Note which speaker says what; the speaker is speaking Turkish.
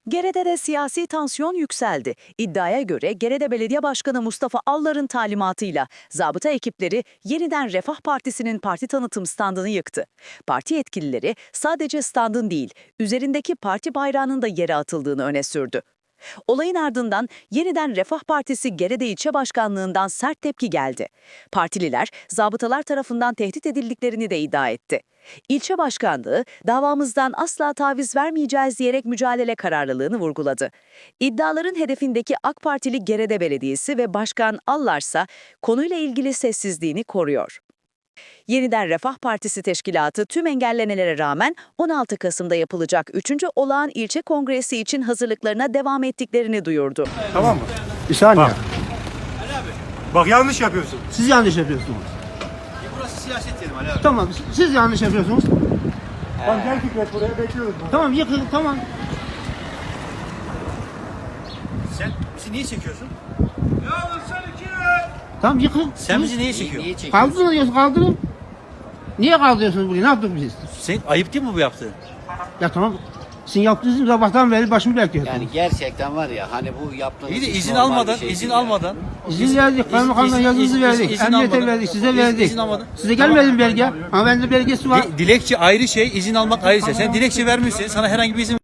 Speaker 1: Gerede'de de siyasi tansiyon yükseldi. İddiaya göre Gerede Belediye Başkanı Mustafa Allar'ın talimatıyla zabıta ekipleri yeniden Refah Partisi'nin parti tanıtım standını yıktı. Parti yetkilileri sadece standın değil, üzerindeki parti bayrağının da yere atıldığını öne sürdü. Olayın ardından yeniden Refah Partisi Gerede İlçe Başkanlığı'ndan sert tepki geldi. Partililer, zabıtalar tarafından tehdit edildiklerini de iddia etti. İlçe başkanlığı, davamızdan asla taviz vermeyeceğiz diyerek mücadele kararlılığını vurguladı. İddiaların hedefindeki AK Partili Gerede Belediyesi ve Başkan Allarsa konuyla ilgili sessizliğini koruyor. Yeniden Refah Partisi Teşkilatı tüm engellemelere rağmen 16 Kasım'da yapılacak 3. Olağan İlçe Kongresi için hazırlıklarına devam ettiklerini duyurdu.
Speaker 2: Tamam mı?
Speaker 3: Bir saniye.
Speaker 2: Bak yanlış yapıyorsun.
Speaker 3: Siz yanlış yapıyorsunuz.
Speaker 2: Burası siyaset yerim Ali abi.
Speaker 3: Tamam, siz yanlış yapıyorsunuz.
Speaker 2: Tamam gel Fikret buraya bekliyoruz.
Speaker 3: Tamam, yıkın, tamam.
Speaker 2: Sen bizi niye çekiyorsun?
Speaker 3: Tamam, yıkın.
Speaker 2: Sen bizi niye çekiyorsun?
Speaker 3: Kaldırın. Niye kaldırıyorsunuz burayı? Ne yaptık biz?
Speaker 2: Sen ayıp değil mi bu yaptığın?
Speaker 3: Ya tamam. Sizin yaptığınız sabahtan beri başımı bekliyorsunuz.
Speaker 4: Yani gerçekten var ya hani bu yaptığınız
Speaker 2: İyi de
Speaker 4: hiç
Speaker 2: izin
Speaker 4: normal bir
Speaker 2: almadan,
Speaker 4: şey
Speaker 2: izin
Speaker 4: değil ya.
Speaker 2: almadan.
Speaker 3: İzin verdik, kaymakamdan yazınızı verdik, emniyete
Speaker 2: almadan.
Speaker 3: verdik, size verdik.
Speaker 2: İzin almadan.
Speaker 3: Size gelmedi mi belge? Ama bende belgesi var.
Speaker 2: Dilekçe ayrı şey, izin almak ayrı şey. Sen dilekçe vermişsin, sana herhangi bir izin